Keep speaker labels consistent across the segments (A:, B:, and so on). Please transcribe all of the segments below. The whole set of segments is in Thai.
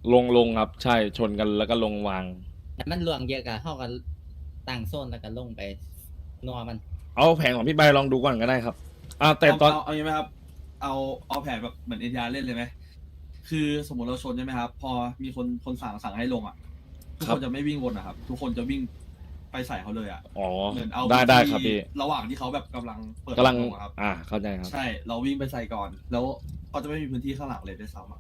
A: ลงครับใช่ชนกันแล้วก็ลงวาง
B: แต่มันหลวงเยอะกับเท่ากันต่างโซนแล้วก็ลงไปนัวมัน
A: เอาแผงของพี่ใบลองดูก่อนก็ได้ครับแต่ตอน
C: เอาอย่างไหมครับ เอาแผนแบบเหมือนเอ็นยาเล่นเลยไหมคือสมมติเราชนใช่ไหมครับ พอมีคนสั่งให้ลงอ่ะทุกคนจะไม่วิ่งวนนะครับทุกคนจะวิ่งไปใส่เขาเลยอ่ะ
A: อ๋อ
C: เหมือนเอา
A: ได้
C: ที่
A: ครับพี่
C: ระหว่างที่เขาแบบกำลังเปิด
A: กำลัง
C: ลงอะครับ
A: เข้าใจครับ
C: ใช่เราวิ่งไปใส่ก่อน แล้วเขาจะไม่มีพื้นที่ข้างหลังเลยด้วยซ้ำอะ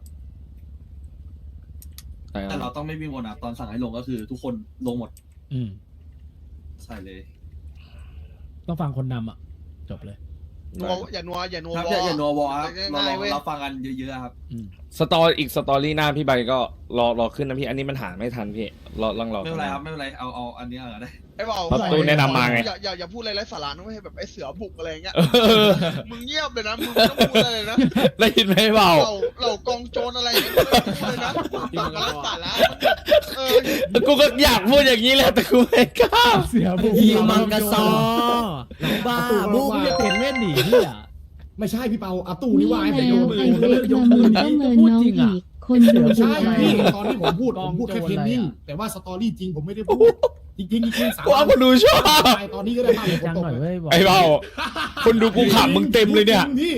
A: ใช่ค
C: แต่เรา
A: รับ
C: ต้องไม่วิ่งวนอ่ะตอนสั่งให้ลงก็คือ ทุกคนลงหมด
D: อืม
C: ใส่เลย
D: ต้องฟังคนนำอ่ะ จบเลย
E: นัวอย่านัวอย่านัว
C: ครับ
E: ว
C: อย่านัววอลครับ
E: ง่ายๆเว้ย
C: เราฟังกันเยอะๆครับ
D: อืม
A: สตอรี่หน้าพี่ใบก็รอขึ้นนะพี่อันนี้มันหาไม่ทันพี่รอ
C: ไม่เป็นไรครับไม่เป็นไรเอาอันนี้เอาได้
E: ไอ้บอก
A: เพราะตู้แนะนำมาไง
E: อย่าพูดอะไรไร้สาระนะไม่ให้แบบไอ้เสือบุกอะไรเงี้ย
A: เออ
E: มึงเงียบเลยนะมึงไม่ต้องพูดอะไรเลยนะ
A: ได้ยินไหมเปล่า
E: เรากองโจรอะไรอย่างเงี้ยไม่ต้องพูดเลยนะปากมันไร้สาระเออ
A: กูก็อยากพูดอย่างนี้แหละแต่กูไม่กล้า
D: เสียบุก
B: ยิงมังกรซอหลังบ้าบุกเนี่ยเห็นเว้นหนีเนี่ย
F: ไม่ใช่พี่เปาอาตู้นี่ว่าให้ผมยกมือ
G: ไอ้
F: ผมก็
G: เล็
F: เลิ
G: ก
F: กยก
G: มา
F: มื
G: มื
F: อ
G: อ
F: นี้
G: ก็เมินน้องอีก คนเดือด
F: ไม่ใช่
G: อะไร
F: พี่
G: อะ
F: ตอนที่ผมพูดแค่เทรนนิ่งแต่ว่าสตอรี่จริงผมไม่ได้พูดจริงๆสาม
A: กูเอาคนดูชอบ
F: ตอนนี้ก็ได้ภาพผม
D: จัง
F: ตก
D: หน่อยเว้ยบอก
A: ไอ้เบาคนดูกูขำมึงเต็มเลยเนี่ย
F: พี่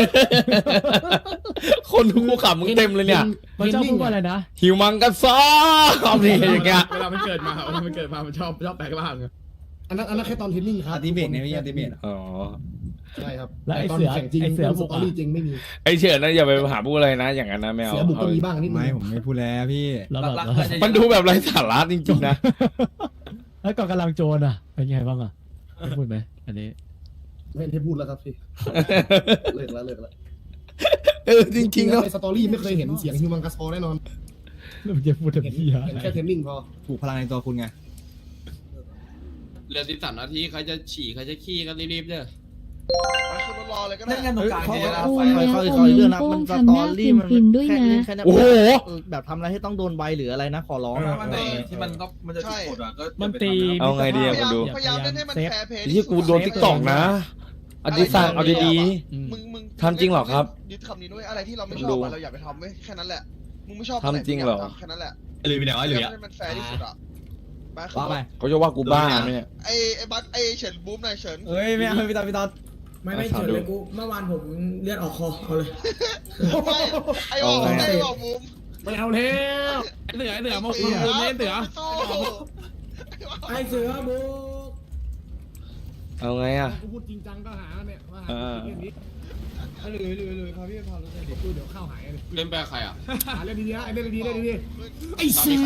A: คนดูกูขำมึงเต็มเลยเนี่ย
D: มันชอบพูดว่าอะไรนะ
A: หิวมังกรซอความดีอย่างเงี้ย
H: เวลามันเกิดมามันชอบแปลงร่าง
F: อันนั้นแค่ตอนเทรนนิ่งครับ
B: อัลติเมทเนี่ยไม่ใช่อัลติเมท
A: อ๋อ
F: ใช่ครับ
D: แล้วไอ้
F: ตอน
D: เสือ
F: แข่งจริง
D: ไอ้เสือ
F: ส
D: บุก
F: ตอ
D: อะ
F: รี่จริงไม่มี
A: ไอเฉินนะอย่าไปหาพูดอะไรนะ อย่างนั้นนะไม่เอา
F: เสือบุกก็มีบ้างนิดนึง
B: ไม่ผมไม่พูดแล้วพี่
D: แล้วแบบ
C: รักๆ
A: มันดูแบบไร้สาระจริงๆนะ
D: แล้วก่อนกำลังโจรอ่ะ เป็นไงบ้างอ่ะได้พูดไหมอันนี้
F: ไม่ได้พูดแล้วครับพี่เลิกแล้ว
A: จริงๆ
F: แล้
A: เนาะ
F: วในสตอรี่ไม่เคยเห็นเสียงฮิวมังกัสโซแน่นอน
D: แล้วมันจะพูดถึง
F: เห็น
D: พี่อะ
F: แค่เทรนนิ่งพอ
B: ปลูกพลังในตัวคุณไง
H: เหลือ13 นาทีใครจะฉี่ใครจะขี้ก็รีบๆเด้อ
E: มาคือรอเลยก็ได้
C: เล่นกันตรงกลางเยอะนะ
G: โอ้
C: ไฟ
G: แล้ว
C: ไฟ
G: โอ้เรื่องนะมันสตอรี่มันด้วยนะ
A: โอ้โห
B: แบบทำอะไรให้ต้องโดนใบหรืออะไรนะขอร้อง
C: มันไหนที่มันจะติดกดอ่ะก็
D: มันตี
A: เอาไงดี
E: พ
A: อะ
E: ยายาม
A: ดู
E: พยายามเล่นให้มันแฟร์เพย์
A: ที่กูโดนทิกตอกนะอดีสั่งเอาดี
D: อืม
E: มึง
A: ทำจริงเหรอครับ
E: ยึดคำนี้ด้วยอะไรที่เราไม่ชอบอะเราอย่าไปทำเว้ยแค่นั้นแหละมึงไม่ชอบ
A: ทำจริงเหรอ
E: แค่นั้นแหละ
B: หรือไปไหนวะหรือ
E: ให้มันแฟร์ที่สุดอะไปคือ
B: ว่าไป
A: ๆเขาจะว่ากูบ้าไหมเนี่ย
E: ไอ้บัสไอ้เฉินบูมหน่อยเฉิน
B: เฮ้ยไม่เอาพี่ตอน
A: ไม่เฉินเลยกู
F: เมื่อวานผมเลือดออกคอเอาเลย
E: ไม่ไอ้บอกไอ้บอกบูม
F: ไม่เอาแล้ว
H: เสือมาคุยเล่นเสือ
E: สู้
F: ไอเสือบุก
A: เอาไงอ่ะ
F: กูพูดจริงจังก็หาเนี่ยมาหา
A: เออ
F: เรื่องนี้
B: เลยพาพี่พาเลย
F: เดี๋ยวเดี๋ยวเข้าหายเลย
H: เล่นแปลใครอ่ะ
F: หาเรื่องดีๆนะไอ้เรื่องดีๆเรื่องดีๆไอเสือ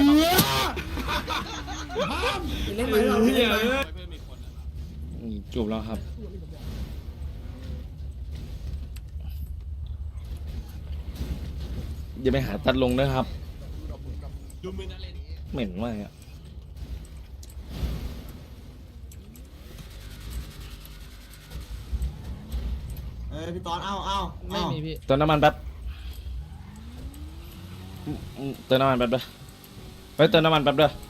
F: เล่นไปเราเล่นไป
A: จูบแล้วครับ อย่าไปหาตัดลงนะครับ เหม็นมากอ่ะ
B: พี่ตอนไม่มีพี่
A: เติมน้ำมันแป๊บเติมน้ำมันแป๊บเด้อไปเติมน้ำมันแป๊บเด้อ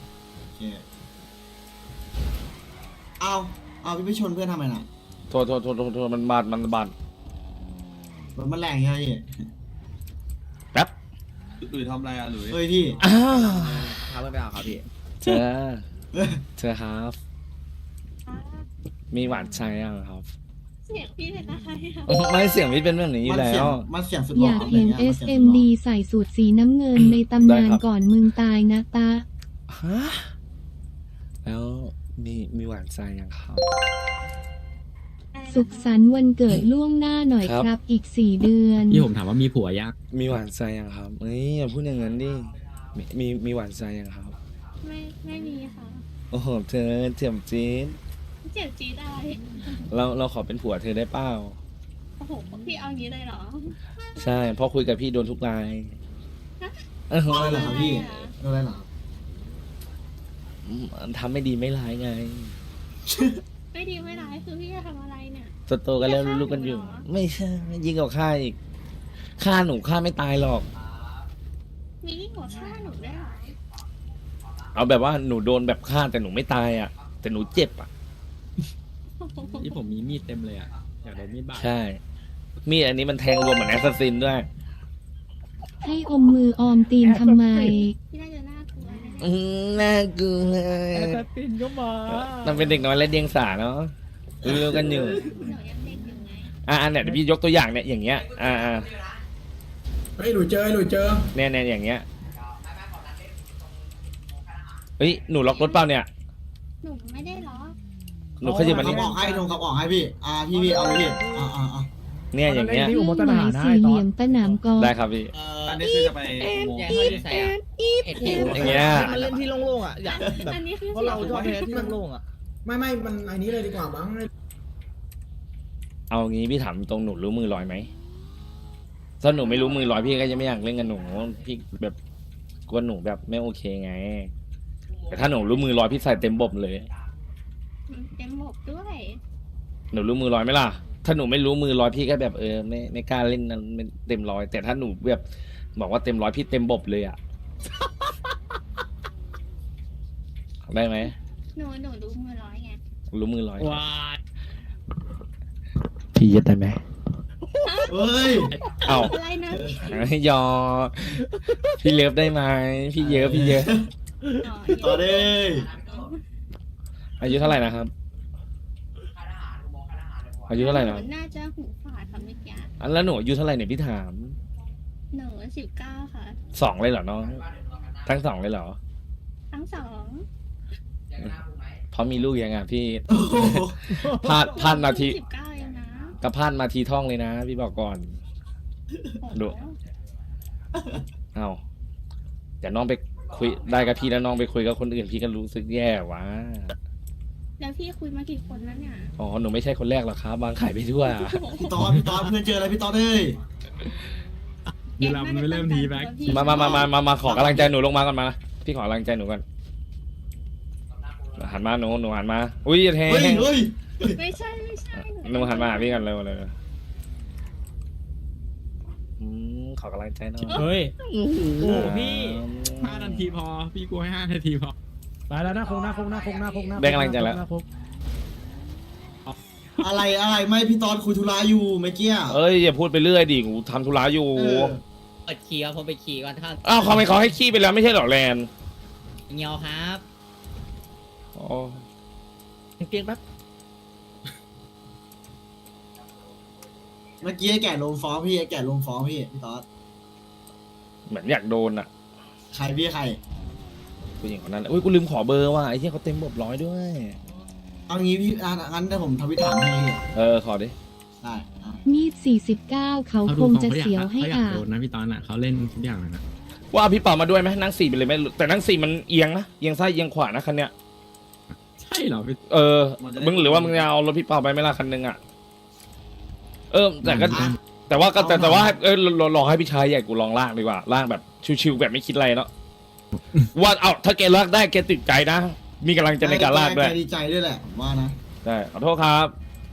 I: เอาพี่ไปชนเพื่อนทำไมน่ะ
A: โทษมันบาด
I: รถมันแรงใช่ไหมพี่
A: แป๊บ
C: หรือทำอะไรอ่ะหรือ
I: เฮ้ยพี่
A: อ้าว
B: พาเพื่อนไปเอาครับพี่
A: เธอครับ มีหวานใจยังครับ
G: เสียงพี่เป็นอะไรอะ
A: ไม่เสียงพี่เป็นแบบนี้อยู่แล้ว
I: มันเสียงสุดห
G: อ
I: ล่อย
G: ากเห็น
I: อะไรงี้ย
G: SMD ใส่สูตรสีน้ำเงินในตำนานก่อนมึงตายนะตา
A: ฮะแล้วมีหวานใจยังครับ
G: สุขสันต์วันเกิดล่วงหน้าหน่อย
A: ครับ
G: ครับอีก4 เดือน
H: พี่ผมถามว่ามีผัวยักษ์
A: มีหวานใจยังครับเฮ้ยอย่าพูดอย่างนั้นดิมีหวานใจยังครับ
G: ไม่มีค่ะ
A: โอ้โหเธอเจียมจีน
G: เจ็บจี๊ดอะไร
A: เราขอเป็นผัวเธอได้เปล่า
G: โอ้โหพี่เอางี้เลยเหรอ
A: ใช่เพราะคุยกับพี่โดนทุกรายเออ
I: อะไรเหรอครับพี่อะไรเหรอครับ
A: ทำไม่ดีไม่ร้ายไง
G: ไม่ดีไม่ร้ายคือพี่จะทำอะไรเนี่ย
A: โตๆกันแล้วรู้ๆกันอยู่ ไม่ใช่ยิงกับข้าอีกฆ่าหนูฆ่าไม่ตายหรอก
G: มียิ่งกว่าฆ่าหนูได้เหรอ
A: เอาแบบว่าหนูโดนแบบฆ่าแต่หนูไม่ตายอ่ะ แต่หนูเจ็บอ่ะ
H: ที่ผมมีมีดเต็มเลยอ่ะอยากโดนมีดบาด
A: ใช่ มีดอันนี้มันแทงรวมเหมือนแอสซัสซินด้วย
G: ให้อมมือออมตีนทำไม
E: พี่น่าจะน่ากลัวนะ
A: น่ากลัว
D: แอสซัสซินก็มา
A: ต้องเป็นเด็กน้อยและเดียงสาเนาะรู้กันอยู่
E: หนูยังเด็กอยู่ไง
A: เนี่ยเดี๋ยวพี่ยกตัวอย่างเนี่ยอย่างเงี้ย
F: เฮ้ยหลุยเจอ
A: เนี่ยอย่างเงี้ยเฮ้ยหนูล็อกรถเปล่าเนี่ย
E: หนูไม่ได้ล็อก
A: หนูขยับมา
I: เขา
A: นี่
I: บอกให้ลงเขาบอกให้พี่พี่เอาเลยพี่
A: เนี่ยอย่างเงี้ย
D: ที่อุโมงค์ท
G: ห
D: หา
G: มาร ย
D: นะ
G: สี่เหลี่ยมสนามกอล์ฟ
A: ได้ครับพี่
C: อันนี้คือจะไปอุโมงค์
B: แจ้งเขาที่ใส่อะเอ็ดเอ็ด
A: อย่างเงี้ย
J: มันเล่นที่โล่งๆอ่ะอยากแบบ
E: อันนี้คือ
J: เพราะเราชอบแพ้ที่โล่งๆอ่ะ
F: ไม่มันอันนี้เลยดีกว่ามั้ง
A: เอางี้พี่ถามตรงหนูรู้มือลอยไหมถ้าหนูไม่รู้มือลอยพี่ก็จะไม่อยากเล่นกับหนูพี่แบบกลัวหนูแบบไม่โอเคไง แต่ถ้าหนูรู้มือลอยพี่ใส่เต็มบบเลย
E: เต็มหมกด้วย
A: หนูรู้มือลอยไหมล่ะ ถ้าหนูไม่รู้มือลอยพี่ก็แบบไม่กล้าเล่นนั้นไม่เต็มร้อย แต่ถ้าหนูแบบบอกว่าเต็มร้อยพี่เต็มบบเลยอ่ะ ได้ไหม
E: หนูรู้มือร้อยไง
A: รู้มือลอย
D: ว้าย
A: พี่ยึดได้ไหม
I: เฮ้ย
A: เอ้า
E: อะไรนะ
A: ยอพี่เลิฟได้ไหมพี่เยอะ
E: อ๋อ
I: ต่อเลย
A: อายุเท่าไหร่นะครับ อายุเท่าไหร่นะ
E: นูน่าจะหูฝาดค่ะเมื่อกี้
A: อันแล้วหนูอายุเท่าไหร่เนี่ยพี่ถาม
E: หนู19ค่ะ
A: 2เลยเหรอน้องทั้ง2เลยเหรอ
E: ทั้งสอง
A: เพราะมีลูกยังไงพี่
I: โอ้โห
A: พลาดนาที
E: 19เองนะ
A: ก็พลาดมาทีท่องเลยนะ พี่บอกก่อน ดู เอาเดี๋ยวน้องไปคุยได้กับพี่แล้วน้องไปคุยกับคนอื่นพี่ก็รู้สึกแย่วะ
E: แล้วพี่คุยมากี่คนแล้วเนี่ย
A: อ๋อหนูไม่ใช่คนแรกหรอกครับวางไข่ไปทั่ว
I: พี่ตอดเพื่อนเจออะไรพี่ตอดเลย
D: เดี๋ยวเราไม่เริ่มทีแบ็ค
A: มาขอกำลังใจหนูลงมาก่อนมาพี่ขอกำลังใจหนูก่อนหันมาหนูหันมาอุ้ยอย่าแทง
I: เฮ้ย
E: ไม่ใช่
A: หนูหันมาหาพี่กันเร็วเลยขอกำลังใจหน่อย
D: เฮ้ย
A: โอ้โห
D: พี่
J: 5 นาทีพอ พี่กูให้5 นาทีพอ
D: ไปแล้วนะคงนะ
A: ได้กำลังใจแล้ว
I: อะไรไม่พี่ตอดคุยธุระอยู่เมื่อกี้
A: เอ้ยอย่าพูดไปเรื่อยดิกูทำธุระอยู่
B: เปิดขี่ครับผมไปขี่ก่อนครับ
A: อ้าวเขาให้ขี้ไปแล้วไม่ใช่เหรอแลน
B: เงียวครับ
A: อ๋อ
J: เพียงแป๊บ
I: เมื่อกี้ไอ้แก่ลงฟ้องพี่พี่ตอด
A: เหมือนอยากโดนอ่ะ
I: ใครพี่ใคร
A: ผู้หญิงคนนั้นอุ้ยกูลืมขอเบอร์ว่ะไอ้เหี้ยเขาเต็มบบ100ด้วย
I: เอางี้พี่งั้นถ้าผมทวิตถามให้พี่
A: ขอดิ
I: ได้
G: มีด49เขาคงจะเสียวให้
J: เขาอยาก
G: อาบ
J: โดนนะพี่ตอนน่ะเขาเล่นทุกอย่างเลยนะ
A: ว่าพี่เป่ามาด้วยไหมนั่ง4ไปเลยไหมแต่นั่ง4มันเอียงนะเอียงซ้ายเอียงขวานะคันเนี้ย
J: ใช่เหรอพี่
A: มึงหรือว่ามึงจะเอารถพี่เป่าไปไหมล่ะคันนึงอ่ะแต่ก็แต่ว่าลองให้พี่ชายใหญ่กูลองลากดีกว่าลากแบบชิวๆแบบไม่คิดอะไรเนาะว่าถ้าแกลากได้แกติดใจนะมีกำลังใจในการลากด้วย
I: แกดีใจด้วยแหละผมว่านะ
A: ได้ขอโทษครับ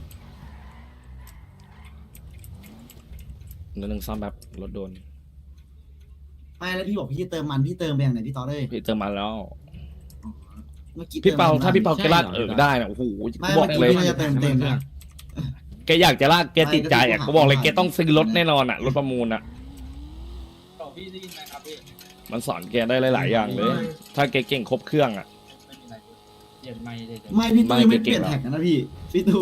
A: นิดนึงซ่อมแบบรถโดน
I: ไม่แล้วพี่บอกพี่เติมมันพี่เติมไปอย่างไหนพี่ตอดเลย
A: พี่เติมมาแล้ว
I: เมื่อกี้
A: พี่เปา
I: ติม
A: ถ้าพี่เปาแกลากได้นะโอ้โหกูบอกเลย
I: พี่น่าจะเต็มนะ
A: แกอยากจะลากแกติดใจอ่ะกูบอกเลยแกต้องซื้อรถแน่นอนอ่ะรถประมูลอ่ะมันสอนแกได้หลายๆอย่างเลย ถ้าแกเก่งครบเครื่องอ่ะ
I: ไม่พี่ตุ้ยไม่เปลี่ยนแท็กนะพี่ตัว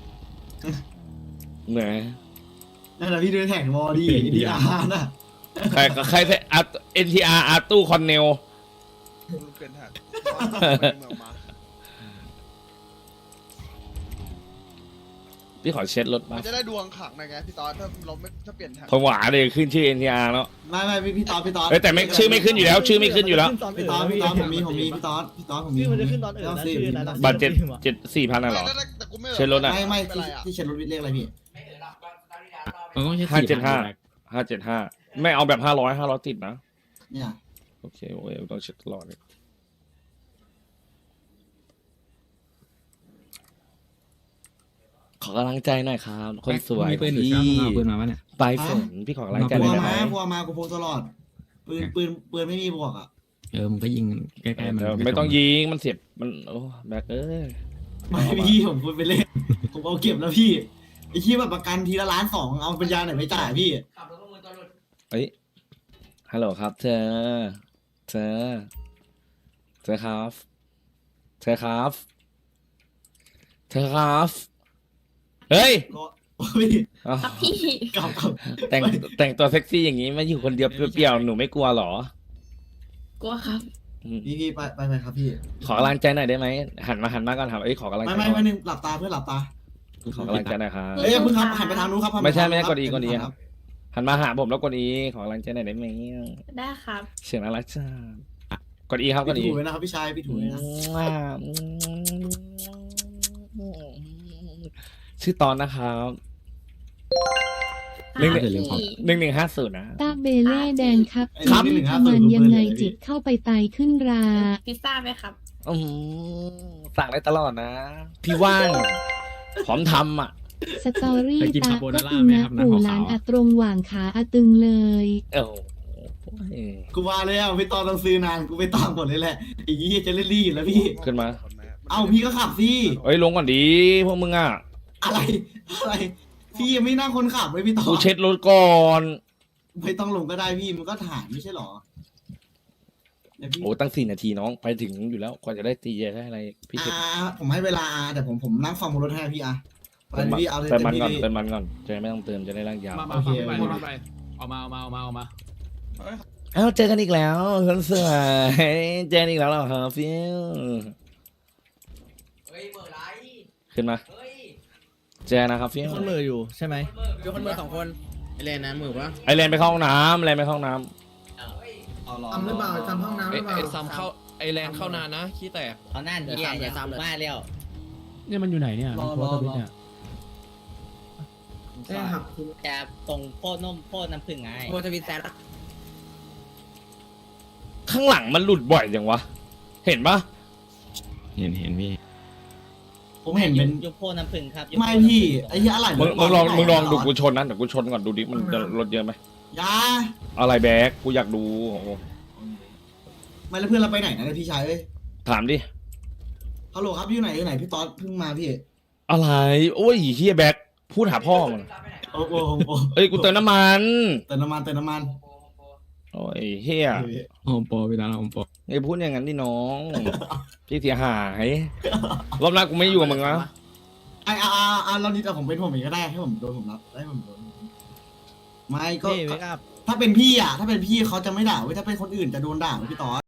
A: เหนื่อย
I: นั่นแหละพี่ดูแท็กวอดีดีอาร์น่ะ
A: ใครใช้NTR อาร์ตู้คอนเนล
E: เป็นแท็ก
A: พี่ขอเช็ดรถ
E: มั
A: มาน
E: จะได้ดวงขังหน่อยไงพี่ตอนถ้าเปลี่ยนแท็ก
A: ผมหวาเลยขึ้นชื่อ NTR แล้ว
I: ไม่พี่ตอด
A: แต่ไม่ชื่อไม่ขึ้นอยู่แล้ว ชื่อไม่ขึ้นอยู่แล้ว
I: พี่ตอดผมมีพี่ตอดผมมี
J: ชื่อมันจะขึ้นตอนอื่นนะชื่อนะ
A: บัตร7,400น่ะเหรอ
E: แต่กูไม่
A: เช็ดรถอะ
I: ไม่ที่เช็ดรถวิทย์เลขอะไรพี่
J: มันต้องใช้
A: 575ไม่เอาแบบ500ติดนะ
I: เนี่ย
A: โอเคโอ้ยต้องเช็ดตลอดเลยขอกำลังใจหน่อยครับ คนสวย
J: มีปืนหรือ
A: พี่
J: ช่างเอาปืนมาปะเนี่ย
A: ปลายฝนพี่ขอกำลังใจ
I: ก
A: ห
I: ลั
A: น่
I: ว
A: อยได้ไหม
I: มากูพกตลอดปืนไม่มีบวกอ่ะ
J: มึงก็ยิงใกล้ๆมัน
A: ไม่ต้องยิงมันเสียบมันโอ้แบก
I: ไม่พี่ผมพูดไปเล่นผมเอาเก็บแล้วพี่ไอ้ที่แบบประกันทีละ1.2 ล้านเอาปัญญาไหนไม่จ่ายพี่
A: เฮ้ยฮัลโหลครับ เธอเธอครับเธอครับเฮ้ย
I: ก็พี่
A: อ้าว
G: พี่
I: กลับ
A: แต่งตัวเซ็กซี่อย่างนี้มาอยู่คนเดียวเปรี้ยวๆหนูไม่กลัวเหรอ
G: กลัวครับ
A: อืม
I: พี่ไปครับพี่
A: ขอกำลังใจหน่อยได้ไหมหันมาก่อนครับเอ้ยขอกำลังใจ
I: ไม่
A: หน่อย
I: นึงหลับตาเพื่อนหลับตา
A: ขอกำลังใจหน่อยครับ
I: เอ้ยเพิ่งครับหันไปทางนู้นครับ
A: ไม่ใช่กดอี
I: ค
A: ครับ หันมาหาผมแล้วกดอีขอกำลังใจหน่อยได้ไหม
G: ได้ครับ
A: เสียงน่ารักจ้ากดอีครับกด
I: พี่
A: อี
I: ถูไว้นะครับพี่ชายพี่ถูไว้นะ
A: ชื่อตอนนะครับ
J: เรื่องเรื่องของ
A: 1150นะ
G: ตาเบเล่แดนครับ
A: ครับ
G: ทำมันยังไงจิตเข้าไปไตขึ้นรา
K: พิซซ่าไหมครับ
A: อืมสั่งได้ตลอดนะ พี่ว่างพร้อมทำอ่ะ
G: สตอรี่
J: เคยกิน
G: ตา
J: คาโบ
G: ก็
J: นาร่า
G: ตึง
J: ไหม
G: นะครับ
J: น้ำ
G: ปู่
J: ขาวๆ
G: หลานอัตรงหว่างขาอาตึงเลย
A: โอ้โห
I: กูว่าแล้วพี่ตอนต้องซื้อนานกูไปตามหมดเลยแหละอีกยี่จะเล่นรีดแล้วพี่
A: ขึ้นมา
I: เอ้าพี่ก็ขับสิ
A: เอ้ยลงก่อนดีพวกมึงอ่ะ
I: อะไรพี่ยังไม่นั่งคนขับเลยพี่ตอ
A: กู
I: น
A: เช็ดรถก่อน
I: ไม่ต้องลงก็ได้พี่มันก็ถ่ายไม่ใช่หรอเดี๋ยวพี่
A: โอ้ตั้ง4 นาทีน้องไปถึงอยู่แล้วกว่าจะได้ตีได้อะไรพี่เช็ด
I: ผมให้เวลาแต่ผมนั่งฟังบนรถให้พี่ไปเลยพี่เอาเลย
A: เติมมันก่อน
I: พี่
A: เติมมันก่อนจะไม่ต้องเติมจะได้ร่างยาว
H: มา
I: โอเค
H: ไป
I: โอเค
H: ไปออกมา
A: เอ้าเจอกันอีกแล้วคนสวยเจอกันอีกแล้วเหรอครับฟิวขึ้นมาเจอนะครับฟิว
J: คนมืออยู่ใช่ไหมยกคนมือ2 คนไอเลนนะมือปะ
A: ไอแลนไปเข้าห้องน้ำไอแลนไปเข้าห้องน้
C: เอารอ
F: ทำหรือเปล่าทำห้องน้ำหรือเปล่า
H: ไอ้ซ้ำเข้าไอ้แรงเข้านานนะขี้แตก
B: เอาหน้าเดียอย่าซ้ำมาแล้ว
D: เนี่ยมันอยู่ไหนเนี่ยมันโพสต์ทวิตเนี่ย
F: ได้หักคุณ
B: จะตรงโพดนมโพดน้ำผึ้งไง
J: โพสต์ทวิตแซด
A: ำข้างหลังมันหลุดบ่อยจังวะเห็นปะ
J: เห็นพี่
I: ผมเห็นเป็น
B: ยุโพดน้ำผึ้งครับ
I: ไม่พี่ไอ้เหี้ยอะไร
A: มึงลองดูกูชนนะเดี๋ยวกูชนก่อนดูดิมันจะรถเยอะไหม
I: ยา
A: อะไรแบกกูอยากดูโอ้โห
I: ไม่แล้วเพื่อนเราไปไหนนะพี่ชายเอ้ย
A: ถามดิ
I: ฮัลโหลครับอยู่ไหนพี่ต๊อดเพิ่งมาพี่
A: อะไรโอ้ยเฮียแบกพูดหาพ่อมึง
I: โอ้โห
A: เอ้ยกูเติมน้ำมัน
I: เติมน้ำมัน
A: โอ้ยเฮีย
J: โฮมโปรพี่ตาโฮมโปร
A: ไอ้พูดอย่างนั้นดิน้อง พี่เสียหายรอบหน้ากูไม่อยู่กับมึงนะ
I: เรานี่แต่ผมเป็นผมเองก็ได้ให้ผมโดนผมรับให้ผมโดนไม่ก็
J: พี่ไม่กล้า
I: ถ้าเป็นพี่เขาจะไม่ด่าเว้ยถ้าเป็นคนอื่นจะโดนด่าเว้ยพี่ต๊อด